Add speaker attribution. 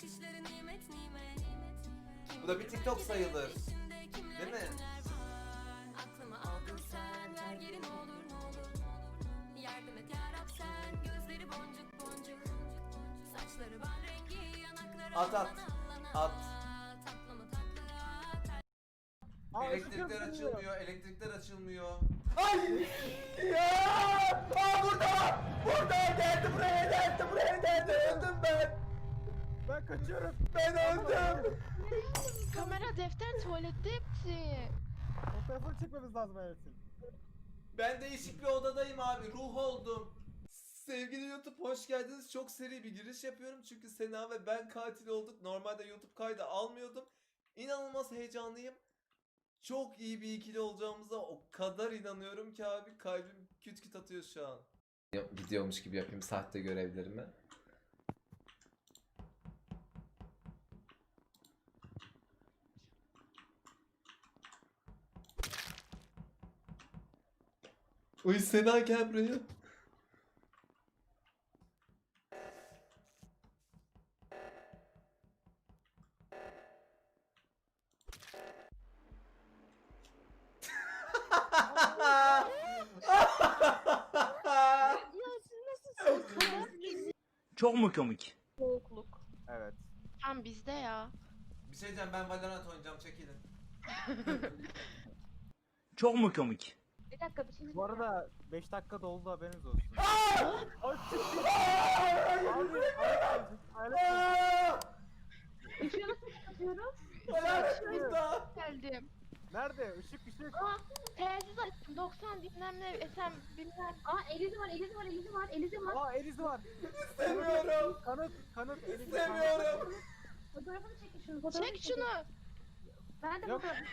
Speaker 1: Bu da bir TikTok sayılır. Değil mi? At at. At. Elektrikler açılmıyor, elektrikler açılmıyor. Ay! Ya! Aa burada! Burada geldi buraya geldi. Öldüm ben.
Speaker 2: Ben kaçıyorum.
Speaker 1: Ben öldüm.
Speaker 3: Kamera, defter, tuvalette hepsi.
Speaker 2: Fotoğrafını çekmemiz lazım herifin.
Speaker 1: Ben değişik bir odadayım abi. Ruh oldum. Sevgili YouTube hoş geldiniz. Çok seri bir giriş yapıyorum. Çünkü Sena ve ben katil olduk. Normalde YouTube kaydı almıyordum. İnanılmaz heyecanlıyım. Çok iyi bir ikili olacağımıza o kadar inanıyorum ki abi. Kalbim küt küt atıyor şu an. Gidiyormuş gibi yapayım sahte görevlerimi. Uy Sena gel buraya.
Speaker 3: Ya siz nasılsınız? Kamera
Speaker 4: Çok mu komik?
Speaker 3: soğukluk.
Speaker 2: Evet.
Speaker 3: Tam bizde ya.
Speaker 1: Bir şey diyeceğim ben Valorant oynayacağım çekilin.
Speaker 4: Çok mu komik?
Speaker 5: Bir dakika bir şey
Speaker 2: Bu arada 5 dakika doldu haberiniz olsun. Ay çıktı.
Speaker 5: Işığı nasıl kapatıyoruz?
Speaker 3: Geldim.
Speaker 2: Nerede? Işık.
Speaker 5: Aa,
Speaker 3: Telsiz açtım. 90 bilmem ne SM bilmem.
Speaker 5: Elizi var.
Speaker 2: Aa Eliz var.
Speaker 1: İstemiyorum.
Speaker 2: Kanıt. Eliz
Speaker 1: İstemiyorum.
Speaker 5: Fotoğrafını çekin şunu.
Speaker 3: Çek şunu.
Speaker 5: Ben de
Speaker 2: Yok.
Speaker 5: fotoğrafını